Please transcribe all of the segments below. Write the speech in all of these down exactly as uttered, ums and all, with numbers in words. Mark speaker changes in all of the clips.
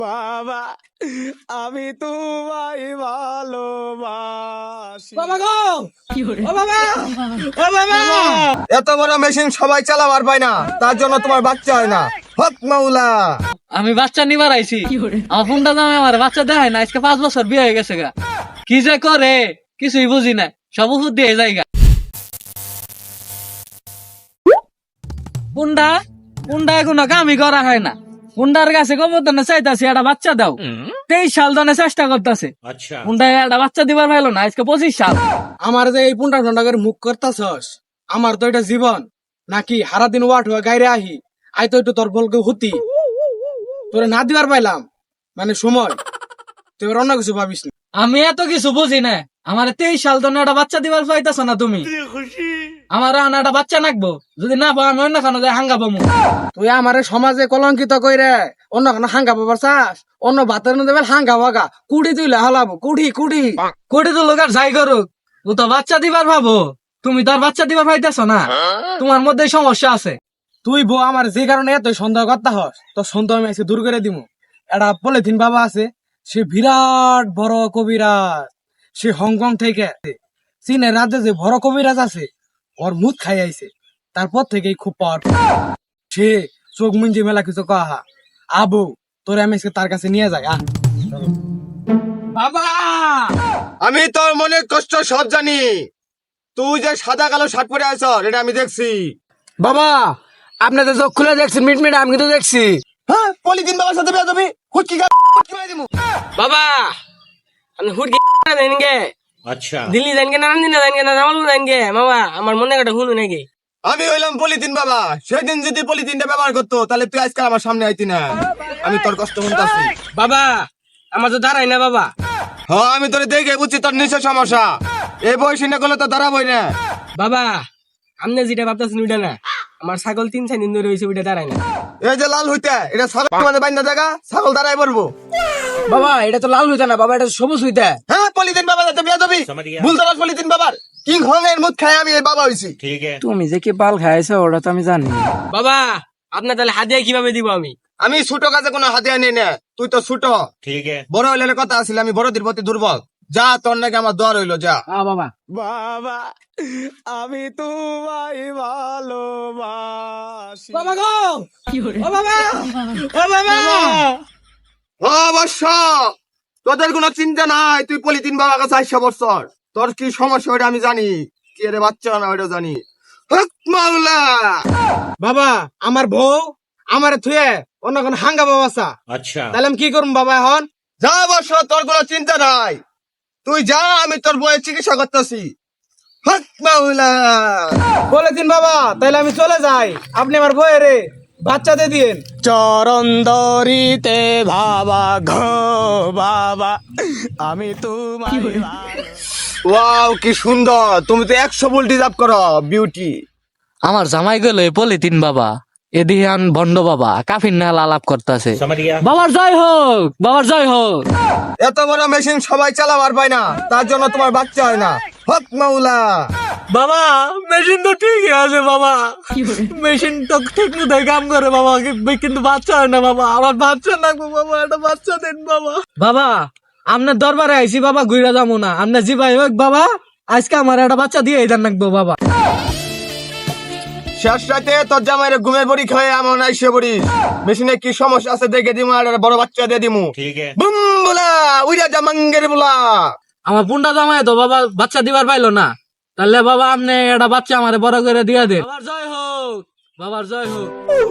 Speaker 1: বাবা আমি তোমায় ভালোবাসি।
Speaker 2: বাবা গো, ও বাবা, ও বাবা।
Speaker 3: এত বড় মেশিন সবাই চালাবার পায় না, তার জন্য তোমার বাচ্চা হয় না। হক মাওলা।
Speaker 2: আমি বাচ্চা নিবার আইছি। আমার ফোনটা দামে আমার বাচ্চা দেখায় না। আজকে পাঁচ বছর বিয়ে হয়ে গেছে গা। কি যে করে কিছুই বুঝি না, সব ওষুধ দিয়ে যায়গা। পুন্ডা পুন্ডা কোনো কামই করা হয় না। পুন্ডার কাছে গোবর্ধনে চাইতাছি একটা বাচ্চা দাও। তেইশ সাল ধরে চেষ্টা করতেছে, পুন্ডা একটা বাচ্চা দিবার পাইলো না। আজকে পঁচিশ সাল।
Speaker 1: আমার যে এই পুন্ডা টন্ডা করে মুখ করতাছস, আমার তো এটা জীবন নাকি হারা দিন ওয়াট হয়ে গাইরে আহি আই তো একটু তোর বলকে হুতি তোরে না দিবার পাইলাম মানে সময় তুই এবার অন্য কিছু ভাবিস না।
Speaker 2: আমি এত কিছু বুঝি না। আমার তেইশ সাল ধরে একটা বাচ্চা দিবার পাইতাছ না তুমি। আমার আনা একটা বাচ্চা নাকবো, যদি না পাও আমি অন্য খানো যাই হাঙ্গা পাবো।
Speaker 1: তুই আমার সমাজে কলঙ্কিত কইরে অন্য কোনো হাঙ্গা পাবার চাস, অন্য ভাতের মধ্যে বেল হাঙ্গা ভাগা কুড়ি তুইলে হালাবো কুড়ি কুড়ি
Speaker 2: কোটি তো লোক আর যাই করুক, ও তো বাচ্চা দিবার ভাবো। তুমি তো আর বাচ্চা দিবার পাইতেছ না, তোমার মধ্যে সমস্যা আছে।
Speaker 1: তুই বউ আমার যে কারণে এত সন্দেহ করতে হস তোর সন্দেহ আমি আজকে দূর করে দিমু। একটা পলিথিন বাবা আছে, সে বিরাট বড় কবিরাজ। সে হংকং থেকে চীনের রাজ্যে যে বড় কবিরাজ আছে ওর মুখ খাই আইছে, তারপর থেকেই খুব পাওয়ারফুল। সে চোখ মুঞ্জি মেলা কিছু কাহা আবু তোরে আমি আজকে তার কাছে নিয়ে যাই। আহ
Speaker 2: বাবা
Speaker 3: আমি তোর মনের কষ্ট সব জানি। তুই যে সাদা কালো শার্ট পরে আছ এটা আমি দেখছি।
Speaker 1: বাবা আপনি তো চোখ খুলে দেখছেন মিট মিট, আমি কিন্তু দেখছি।
Speaker 3: হ্যাঁ, পলিথিন বাবার সাথে বিয়ে দিবি? হুটকি গা হুটকি মারি দিমু।
Speaker 2: বাবা আমি হুট গে
Speaker 4: अच्छा
Speaker 2: দিল্লি যান গে না দিন যান গে না জামালপুর যান গে বাবা, আমার মনে একটা শুনু নাকি।
Speaker 3: আমি হইলাম পলিথিন বাবা। সেদিন যদি পলিথিনটা ব্যবহার করতো তাহলে তুই আজকাল আমার সামনে আইতি না। আমি তোর কষ্ট শুনতাছি।
Speaker 2: বাবা আমার তো দাঁড়াই না বাবা।
Speaker 3: হ্যাঁ, আমি তোরে দেখে বুঝছি তোর নিশ্চয় সমস্যা। এই বয়সী না করলে তো দাঁড়াবই না।
Speaker 2: বাবা আপনি যেটা ভাবতেছেন ওইটা না, আমার ছাগল তিন চার দিন ধরে হয়েছে ওইটা দাঁড়ায় না।
Speaker 3: এই যে লাল হইতে এটা ছাগল মানে বাইন্দা জায়গা, ছাগল দাঁড়াই পড়বো।
Speaker 1: বাবা এটা তো লাল হইতা না বাবা, এটা সবুজ হইতা।
Speaker 3: হ্যাঁ, পলিথিন বাবা যাতে বিয়ে দিবি।
Speaker 4: समझ गया
Speaker 3: ভুলতে পারছ পলিথিন বাবার কি ঘনের মুখ খায় আমি এই বাবা হইছি।
Speaker 4: ठीक है
Speaker 1: তুমি যে কি বাল খাইছো ওটা তো আমি জানি।
Speaker 2: বাবা আপনার তাহলে হাতিয়া কিভাবে দিব আমি?
Speaker 3: আমি ছোট কাজে কোনো হাতিয়া নেই না। তুই তো ছোট,
Speaker 4: ठीक है
Speaker 3: বড় হইলে কথা আছিল। আমি বড়দের প্রতি দুর্বল। যা তোর নাকি আমার দোয়া রইলো, যা।
Speaker 1: হ্যাঁ বাবা।
Speaker 5: বাবা আমি তোমায় ভালোবাসি।
Speaker 2: বাবা গো, ও বাবা, ও বাবা।
Speaker 3: অবশ্য তোদের কোনো চিন্তা নাই। তুই পলিথিন বাবার কাছে আইসা বছর তোর কি সমস্যা ওইটা আমি জানি। কি রে বাচ্চা না ওইটা জানি। হক মাওলা।
Speaker 1: বাবা আমার বউ আমার থুয়ে অন্য কোন হাঙ্গা বাবা চা,
Speaker 4: अच्छा
Speaker 1: তাহলে আমি কি করবো বাবা এখন?
Speaker 3: যা বছর তোর কোনো চিন্তা নাই। তুই যা, আমি তোর বইয়ের চিকিৎসা করতেছি। হক মাওলা।
Speaker 1: পলিথিন বাবা তাহলে আমি চলে যাই, আপনি আমার বউয়েরে বাচ্চা দিয়ে দিন।
Speaker 5: চরণ দরিতে ভাবা ঘো বাবা আমি তোমায় ভালো-
Speaker 3: ওয়াও কি সুন্দর। তুমি তো একশো ভোল্ট ডিজার্ভ করো বিউটি।
Speaker 2: আমার জামাই গেল পলিথিন বাবা, এদিহান ভণ্ড বাবা কাফির নাল আলাপ করতেছে।
Speaker 4: समझ गया
Speaker 2: বাবার জয় হোক, বাবার জয় হোক।
Speaker 3: এত বড় মেশিন সবাই চালাবার পায় না, তার জন্য তোমার বাচ্চা হয় না। হক মাওলা।
Speaker 2: বাবা মেশিন তো ঠিকই আছে বাবা, মেশিন তো ঠিক মতো কাম করে বাবা, কিন্তু বাচ্চা হয় না বাবা। আমার বাচ্চা লাগবে বাবা, একটা বাচ্চা দেন বাবা। বাবা আপনার দরবারে আইছি বাবা, ঘুরে যাবো না। আপনার জি ভাই হোক বাবা, আজকে আমার একটা বাচ্চা দিয়ে দেন রাখবো বাবা।
Speaker 3: শেষ রাতে তোর জামাইরে ঘুমের বড়ি খাওয়াই আমার আইসে পড়িস। মেশিনে কি সমস্যা আছে দেখে দিমু, আর একটা বড় বাচ্চা দিয়ে দিমু।
Speaker 4: ठीक है
Speaker 3: বুম বুলা উইরা জামাঙ্গের বুলা।
Speaker 2: আমার পুন্ডা জামাই তো বাবা বাচ্চা দিবার পাইলো না, তাহলে বাবা আপনি একটা বাচ্চা আমারে বড় করে দিয়ে দে। বাবার জয় হোক, বাবার জয় হোক।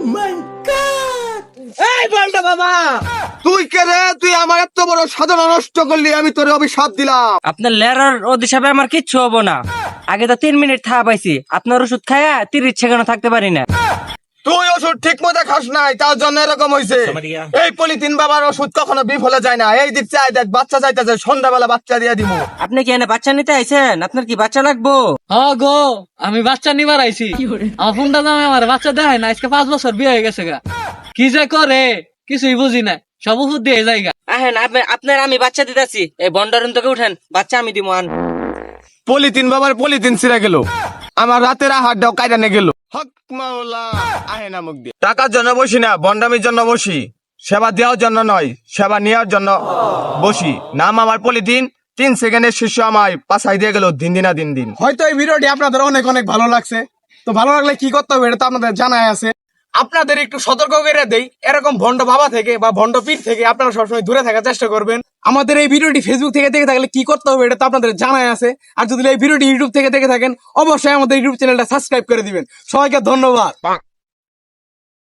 Speaker 2: এই বলটা বাবা,
Speaker 3: তুই কে রে? তুই আমার এত বড় সাধনা নষ্ট করলি, আমি তোর অভিশাপ দিলাম।
Speaker 6: আপনার লেরার অধিশাপে আমার কিচ্ছু হবো না। আগে তো তিন মিনিট থা পাইছি, আপনার ওষুধ খায়া তিরিশ সেকেন্ড থাকতে পারি না।
Speaker 3: তুই ওষুধ ঠিক মতো খাস নাই, তার জন্য এরকম হয়েছে।
Speaker 4: समझ गया
Speaker 3: এই পলিথিন বাবার ওষুধ কখনো বিফলে যায় না। এই দিক চাই দেখ, বাচ্চা চাইতেছে, সন্ধ্যাবেলা বাচ্চা দিয়ে দিমু।
Speaker 6: আপনি কি এনে বাচ্চা নিতে আইছেন? আপনার কি বাচ্চা লাগবো?
Speaker 2: হ গো আমি বাচ্চা নিবার আইছি। আমার পুন্ডা জামাই আমার বাচ্চা দেখায় না। আজকে পাঁচ বছর বিয়ে হয়ে গেছে গা। কি যে করে কিছুই বুঝি না, সব ওষুধ দিয়ে যায়গা।
Speaker 6: আহেন আপনি- আপনার আমি বাচ্চা দিতেছি। এই বন্ডারুন তোকে উঠেন, বাচ্চা আমি দিব আন।
Speaker 3: পলিথিন বাবার পলিথিন ছিঁড়ে গেল, আমার রাতের আহারটাও কাইরানে গেল। হক মাওলা। আহে না মুখ দিয়ে টাকার জন্য বসি না, বন্ডামির জন্য বসি। সেবা দেওয়ার জন্য নয়, সেবা নেওয়ার জন্য বসি। নাম আমার পলিথিন, তিন সেকেন্ডের শিষ্য আমায় পাশাই দিয়ে গেল দিন দিনা দিন দিন।
Speaker 1: হয়তো এই ভিডিওটি আপনাদের অনেক অনেক ভালো লাগছে। তো ভালো লাগলে কি করতে হবে এটা তো আপনাদের জানাই আছে। আপনাদের একটু সতর্ক করে দেই, এরকম ভণ্ড বাবা থেকে বা ভণ্ড পীর থেকে আপনারা সবসময় দূরে থাকার চেষ্টা করবেন। আমাদের এই ভিডিওটি ফেসবুক থেকে দেখে থাকলে কি করতে হবে এটা তো আপনাদের জানাই আছে। আর যদি এই ভিডিওটি ইউটিউব থেকে দেখে থাকেন অবশ্যই আমাদের ইউটিউব চ্যানেলটা সাবস্ক্রাইব করে দিবেন। সবাইকে ধন্যবাদ।